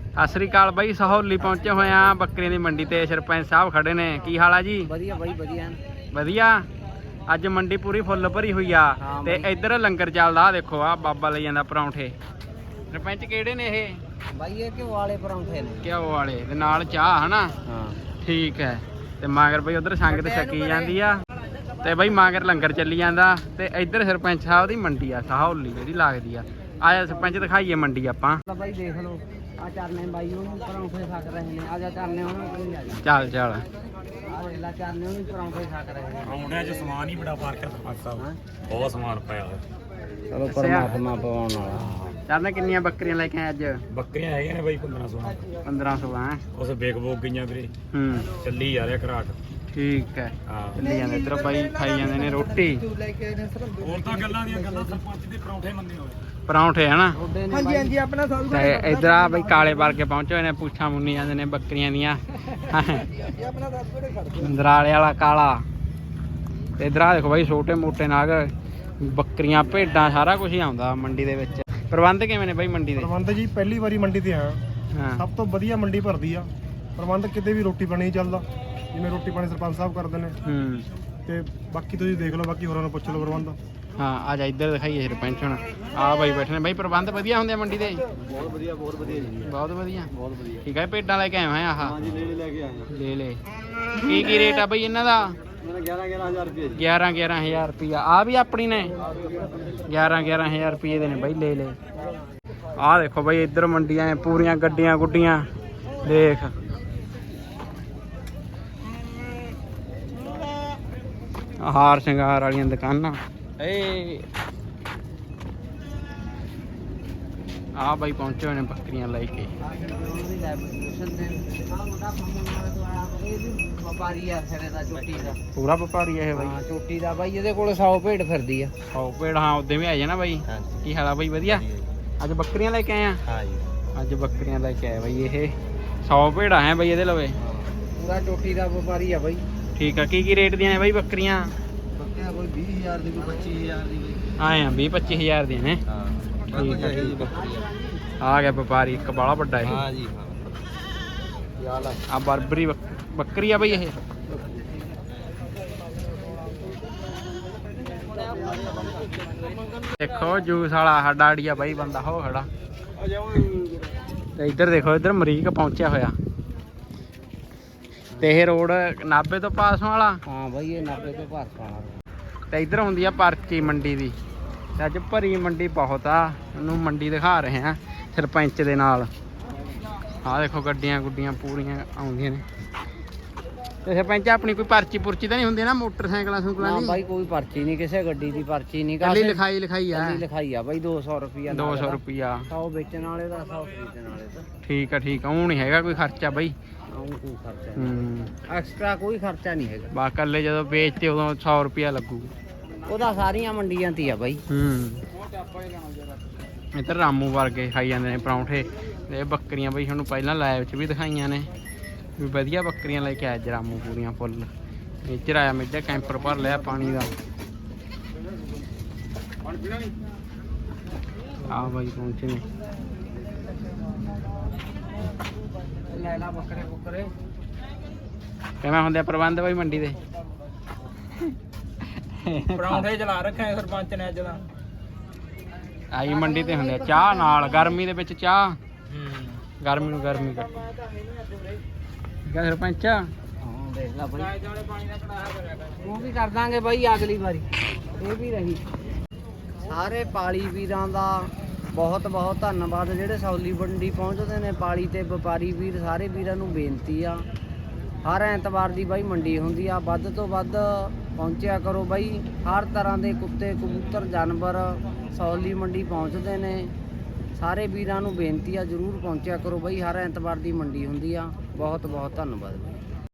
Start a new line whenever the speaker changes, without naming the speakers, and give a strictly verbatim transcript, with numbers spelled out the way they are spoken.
ਸਤਿ ਸ੍ਰੀ ਅਕਾਲ ਬਾਈ, ਸਹੌਲੀ ਪਹੁੰਚੇ ਹੋਏ ਆ ਬੱਕਰੀਆਂ ਦੀ ਮੰਡੀ ਤੇ। ਸਰਪੰਚ ਸਾਹਿਬ ਖੜੇ ਨੇ, ਕੀ ਹਾਲ ਆ ਜੀ?
ਵਧੀਆ ਬਾਈ ਵਧੀਆ
ਵਧੀਆ। ਅੱਜ ਮੰਡੀ ਪੂਰੀ ਫੁੱਲ ਭਰੀ ਹੋਈ ਆ ਤੇ ਇੱਧਰ ਲੰਗਰ ਚੱਲਦਾ। ਆ ਦੇਖੋ ਆ ਬਾਬਾ ਲਈ ਜਾਂਦਾ ਪਰੌਂਠੇ। ਸਰਪੰਚ ਕਿਹੜੇ ਨੇ ਇਹ?
ਬਾਈ ਇਹ ਘਿਓ ਵਾਲੇ ਪਰੌਂਠੇ ਨੇ।
ਘਿਓ ਵਾਲੇ ਤੇ ਨਾਲ ਚਾਹ ਹਨਾ?
ਹਾਂ
ਠੀਕ ਹੈ। ਤੇ ਮਾਗਰ ਬਈ ਉਧਰ ਸੰਗਤ ਛਕੀ ਜਾਂਦੀ ਆ ਤੇ ਬਈ ਮਾਗਰ ਲੰਗਰ ਚੱਲੀ ਜਾਂਦਾ। ਤੇ ਇੱਧਰ ਸਰਪੰਚ ਸਾਹਿਬ ਦੀ ਮੰਡੀ ਆ ਸਹੌਲੀ ਜਿਹੜੀ ਲੱਗਦੀ ਆ। ਆਜਾ ਸਰਪੰਚ ਦਿਖਾਈਏ ਮੰਡੀ ਆਪਾਂ।
ਬਾਈ ਦੇਖ ਲਓ ਆ ਚਰਨੇ ਬਾਈ ਉਹਨੂੰ ਪਰੌਂਠੇ ਛਕ ਰਹੇ ਨੇ। ਆ ਜਾ ਚਰਨੇ ਉਹਨਾਂ ਕੋਲ ਆ ਜਾ।
ਚੱਲ ਚੱਲ
ਆ ਵੇਲਾ ਚਰਨੇ ਉਹਨੂੰ ਪਰੌਂਠੇ ਛਕ ਰਹੇ ਨੇ।
ਪਰੌਂਠਿਆਂ 'ਚ ਸਮਾਨ ਹੀ ਬੜਾ ਫਰਕ ਹੈ ਸਰਪੰਚ ਸਾਹਿਬ, ਬਹੁਤ ਸਮਾਨ ਪਿਆ ਹੋਇਆ।
ਚਲੋ ਪਰਮਾਤਮਾ ਪਵਾਉਣ ਵਾਲਾ।
ਚੱਲ ਕਿੰਨੀਆਂ ਬੱਕਰੀਆਂ ਲੈ ਕੇ ਆਏ ਅੱਜ?
ਬੱਕਰੀਆਂ ਹੈਗੀਆਂ ਨੇ ਬਾਈ ਪੰਦਰਾਂ ਸੌ
ਪੰਦਰਾਂ ਸੌ ਹੈ।
ਉਸ ਵੇਖ ਵੋਕ ਗਈਆਂ ਵੀਰੇ,
ਹੂੰ
ਚੱਲੀ ਜਾ ਰਿਹਾ ਘਰਾਟ।
ਠੀਕ ਹੈ,
ਹਾਂ
ਚੱਲੀ ਜਾਂਦੇ। ਇੱਧਰ ਬਾਈ ਖਾਈ ਜਾਂਦੇ ਨੇ ਰੋਟੀ।
ਹੋਰ ਤਾਂ ਗੱਲਾਂ ਦੀਆਂ ਗੱਲਾਂ, ਸਰਪੰਚ ਦੇ ਪਰੌਂਠੇ ਮੰਨੇ ਹੋਏ
ਪਰੌਂਠੇ ਹਨਾ?
ਹਾਂਜੀ ਹਾਂਜੀ ਆਪਣਾ ਸਭ
ਤੇ ਇੱਧਰ ਆ ਬਈ ਕਾਲੇ ਵਰਗੇ ਪਹੁੰਚੇ ਹੋਏ ਨੇ, ਪੁੱਛਾਂ ਮੁੰਨੀ ਜਾਂਦੇ ਨੇ ਬੱਕਰੀਆਂ ਦੀਆਂ। ਦਰਾਲੇ ਵਾਲਾ ਕਾਲਾ। ਤੇ ਇੱਧਰ ਆ ਦੇਖੋ ਬਾਈ ਛੋਟੇ ਮੋਟੇ ਨਾਗ, ਬੱਕਰੀਆਂ ਭੇਡਾਂ ਸਾਰਾ ਕੁਝ ਹੀ ਆਉਂਦਾ ਮੰਡੀ ਦੇ ਵਿੱਚ। ਪ੍ਰਬੰਧ ਕਿਵੇਂ ਨੇ ਬਾਈ ਮੰਡੀ ਦੇ?
ਪ੍ਰਬੰਧ ਜੀ ਪਹਿਲੀ ਵਾਰੀ ਮੰਡੀ ਤੇ ਆਇਆ,
ਹਾਂ
ਸਭ ਤੋਂ ਵਧੀਆ ਮੰਡੀ ਭਰਦੀ ਆ। ਪ੍ਰਬੰਧ ਕਿਤੇ ਵੀ ਰੋਟੀ ਪਾਣੀ ਚੱਲਦਾ, ਜਿਵੇਂ ਰੋਟੀ ਪਾਣੀ ਸਰਪੰਚ ਸਾਹਿਬ ਕਰਦੇ ਨੇ।
ਹੂੰ
ਤੇ ਬਾਕੀ ਤੁਸੀਂ ਦੇਖ ਲਓ, ਬਾਕੀ ਹੋਰਾਂ ਨੂੰ ਪੁੱਛ ਲਓ ਪ੍ਰਬੰਧ।
ਹਾਂ ਆ ਜਾ ਇੱਧਰ ਦਿਖਾਈਏ ਸਰਪੰਚ ਹੁਣ। ਆ ਬਾਈ ਬੈਠੇ ਨੇ। ਬਾਈ ਪ੍ਰਬੰਧ ਵਧੀਆ ਹੁੰਦੇ ਆ ਮੰਡੀ ਦੇ?
ਬਹੁਤ ਵਧੀਆ ਬਹੁਤ ਵਧੀਆ ਜੀ,
ਬਹੁਤ ਵਧੀਆ
ਬਹੁਤ ਵਧੀਆ।
ਠੀਕ ਹੈ। ਭੇਡਾਂ ਲੈ ਕੇ ਆਏ ਹੋਏ ਆਹ?
ਹਾਂਜੀ ਲੈ ਲੈ ਕੇ ਆਏ
ਲੈ ਲੈ। ਕੀ ਕੀ ਰੇਟ ਆ ਬਈ ਇਹਨਾਂ ਦਾ?
ਮੇਰਾ ਗਿਆਰਾਂ ਗਿਆਰਾਂ ਹਜ਼ਾਰ ਰੁਪਏ ਜੀ।
ਗਿਆਰਾਂ ਗਿਆਰਾਂ ਹਜ਼ਾਰ ਰੁਪਈਆ। ਆ ਵੀ ਆਪਣੀ ਨੇ? ਗਿਆਰਾਂ ਗਿਆਰਾਂ ਹਜ਼ਾਰ ਰੁਪਏ ਦੇ ਨੇ ਬਾਈ, ਲੈ ਲੈ। ਆਹ ਦੇਖੋ ਬਾਈ ਇੱਧਰ ਮੰਡੀਆਂ ਪੂਰੀਆਂ ਗੱਡੀਆਂ ਗੁੱਡੀਆਂ ਦੇਖ। ਹਾਰ ਸ਼ਿੰਗਾਰ ਵਾਲੀਆਂ ਦੁਕਾਨਾਂ। ਏ ਆ ਬਾਈ ਪਹੁੰਚੇ ਹੋਏ ਨੇ ਬੱਕਰੀਆਂ ਲੈ ਕੇ।
ਵਪਾਰੀ ਆ ਸਿਰੇ ਦਾ, ਚੋਟੀ ਦਾ
ਪੂਰਾ ਵਪਾਰੀ ਆ ਇਹ ਬਾਈ?
ਹਾਂ ਚੋਟੀ ਦਾ ਬਾਈ, ਇਹਦੇ ਕੋਲ ਸੌ ਭੇਡ ਫਿਰਦੀ ਆ।
ਸੌ ਭੇਡ? ਹਾਂ ਉਦੋਂ ਵੀ ਆ ਜਾਣਾ ਬਾਈ। ਕੀ ਹਾਲ ਆ ਬਾਈ? ਵਧੀਆ। ਅੱਜ ਬੱਕਰੀਆਂ ਲੈ ਕੇ ਆਏ ਆ?
ਹਾਂ ਜੀ
ਅੱਜ ਬੱਕਰੀਆਂ ਲੈ ਕੇ ਆਏ ਬਾਈ। ਇਹ ਸੌ ਭੇਡਾਂ ਹੈ ਬਾਈ ਇਹਦੇ ਲਵੇ।
ਪੂਰਾ ਚੋਟੀ ਦਾ ਵਪਾਰੀ ਆ ਬਾਈ।
ਠੀਕ ਆ। ਕੀ ਕੀ ਰੇਟ ਦੀਆਂ ਨੇ ਬਾਈ ਬੱਕਰੀਆਂ?
ਬੱਕਰੀਆਂ ਕੋਈ ਵੀਹ ਹਜ਼ਾਰ ਦੀ, ਕੋਈ ਪੱਚੀ ਹਜ਼ਾਰ ਦੀ ਬਾਈ।
ਆਏ ਆ ਵੀਹ ਪੱਚੀ ਹਜ਼ਾਰ ਦੀਆਂ ਨੇ।
ਹਾਂ
ਠੀਕ ਆ ਠੀਕ ਆ। ਆ ਗਿਆ ਵਪਾਰੀ ਇੱਕ ਬਾਲਾ ਵੱਡਾ ਇਹ।
ਹਾਂ ਜੀ ਹਾਂ। ਯਾਰ
ਆ ਬਰਬਰੀ ਬੱਕਰੀ ਆ ਬਾਈ ਇਹ? ਦੇਖੋ ਜੂਸ ਵਾਲਾ ਸਾਡਾ ਆੜੀਆ ਬਾਈ ਬੰਦਾ ਹੋ ਖੜਾ। ਤੇ ਇੱਧਰ ਦੇਖੋ, ਇੱਧਰ ਅਮਰੀਕ ਪਹੁੰਚਿਆ ਹੋਇਆ। ਤੇ ਇਹ ਰੋਡ ਨਾਭੇ ਤੋਂ ਪਾਸ ਵਾਲਾ?
ਹਾਂ ਬਾਈ ਇਹ ਨਾਭੇ ਤੋਂ ਭਾਰਤ ਵਾਲਾ।
ਤੇ ਇੱਧਰ ਹੁੰਦੀ ਆ ਪਰਚੀ ਮੰਡੀ ਦੀ। ਤੇ ਅੱਜ ਭਰੀ ਮੰਡੀ ਬਹੁਤ ਆ। ਉਹਨੂੰ ਮੰਡੀ ਦਿਖਾ ਰਹੇ ਆ ਸਰਪੰਚ ਦੇ ਨਾਲ। ਆਹ ਦੇਖੋ ਗੱਡੀਆਂ ਗੁੱਡੀਆਂ ਪੂਰੀਆਂ ਆਉਂਦੀਆਂ ਨੇ। ਤੇ ਸਰਪੰਚ ਆਪਣੀ ਕੋਈ ਪਰਚੀ ਪੁਰਚੀ ਤਾਂ ਨਹੀਂ ਹੁੰਦੀ ਨਾ ਮੋਟਰਸਾਈਕਲਾਂ ਸੁਕਲਾਂ
ਨਾ
ਦੀ?
ਬਾਈ ਕੋਈ ਪਰਚੀ ਨਹੀਂ, ਕਿਸੇ ਗੱਡੀ ਦੀ ਪਰਚੀ ਨਹੀਂ।
ਕੱਲੀ ਲਿਖਾਈ ਲਿਖਾਈ ਆ?
ਕੱਲੀ ਲਿਖਾਈ ਆ ਬਾਈ। ਦੋ ਸੌ ਰੁਪਿਆ
ਦੋ ਸੌ ਰੁਪਿਆ।
ਸੌ ਵੇਚਣ ਵਾਲੇ ਦਾ, ਸੌ ਖਰੀਦਣ ਵਾਲੇ ਦਾ।
ਠੀਕ ਆ ਠੀਕ ਆ। ਉਹ ਨਹੀਂ ਹੈਗਾ ਕੋਈ ਖਰਚਾ ਬਾਈ?
ਆਉਂ ਕੋਈ ਖਰਚਾ
ਹੂੰ
ਨਹੀਂ, ਐਕਸਟਰਾ ਕੋਈ ਖਰਚਾ ਨਹੀਂ ਹੈਗਾ।
ਬਾ ਕੱਲੇ ਜਦੋਂ ਵੇਚਤੇ ਉਦੋਂ ਸੌ ਰੁਪਿਆ ਲੱਗੂ।
ਉਹਦਾ ਸਾਰੀਆਂ ਮੰਡੀਆਂ ਤੇ ਆ ਬਾਈ।
ਹੂੰ ਇੱਧਰ ਰਾਮੂ ਵਰਗੇ ਖਾਈ ਜਾਂਦੇ ਨੇ ਪਰੌਂਠੇ। ਇਹ ਬੱਕਰੀਆਂ ਬਈ ਤੁਹਾਨੂੰ ਪਹਿਲਾਂ ਲਾਈਵ 'ਚ ਵੀ ਦਿਖਾਈਆਂ ਨੇ ਵੀ ਵਧੀਆ ਬੱਕਰੀਆਂ ਲੈ ਕੇ ਆਇਆ ਰਾਮੂ ਪੂਰੀਆਂ ਫੁੱਲ। ਇੱਧਰ ਆਇਆ ਮੇਜਾ ਕੈਂਪਰ ਭਰ ਲਿਆ ਪਾਣੀ ਦਾ। ਆ ਬਾਈ ਪਹੁੰਚੇ ਨੇ।
ਲੈ ਲਾ ਬੱਕਰੇ ਬੁੱਕਰੇ।
ਕਿਵੇਂ ਹੁੰਦੇ ਆ ਪ੍ਰਬੰਧ ਬਾਈ ਮੰਡੀ ਦੇ?
ਪਰੌਂਠੇ ਚਲਾ ਰੱਖਿਆ ਸਰਪੰਚ ਨੇ ਅੱਜ ਦਾ।
ਆਈ ਮੰਡੀ ਤੇ ਹੁੰਦੇ ਆ ਚਾਹ ਨਾਲ। ਗਰਮੀ ਦੇ ਵਿੱਚ ਚਾਹ, ਗਰਮੀ ਨੂੰ ਗਰਮੀ ਕੱਟ। ਠੀਕ ਆ ਸਰਪੰਚ?
ਹਾਂ ਦੇਖ ਲੈ ਬਾਈ, ਉਹ ਵੀ ਕਰ ਦਾਂਗੇ ਬਾਈ ਅਗਲੀ ਵਾਰੀ। ਇਹ ਵੀ ਰਹੀ। ਸਾਰੇ ਪਾਲੀ ਵੀਰਾਂ ਦਾ ਬਹੁਤ ਬਹੁਤ ਧੰਨਵਾਦ ਜਿਹੜੇ ਸੌਲੀ ਮੰਡੀ ਪਹੁੰਚਦੇ ਨੇ। ਪਾਲੀ ਤੇ ਵਪਾਰੀ ਵੀਰ ਸਾਰੇ ਵੀਰਾਂ ਨੂੰ ਬੇਨਤੀ ਆ, ਹਰ ਐਤਵਾਰ ਦੀ ਬਾਈ ਮੰਡੀ ਹੁੰਦੀ ਆ। ਵੱਧ ਤੋਂ ਵੱਧ ਪਹੁੰਚਿਆ ਕਰੋ ਬਾਈ। ਹਰ ਤਰ੍ਹਾਂ ਦੇ ਕੁੱਤੇ ਕਬੂਤਰ ਜਾਨਵਰ ਸੌਲੀ ਮੰਡੀ ਪਹੁੰਚਦੇ ਨੇ। ਸਾਰੇ ਵੀਰਾਂ ਨੂੰ ਬੇਨਤੀ ਆ ਜ਼ਰੂਰ ਪਹੁੰਚਿਆ ਕਰੋ ਬਾਈ। ਹਰ ਐਤਵਾਰ ਦੀ ਮੰਡੀ ਹੁੰਦੀ ਆ। ਬਹੁਤ ਬਹੁਤ ਧੰਨਵਾਦ ਬਾਈ।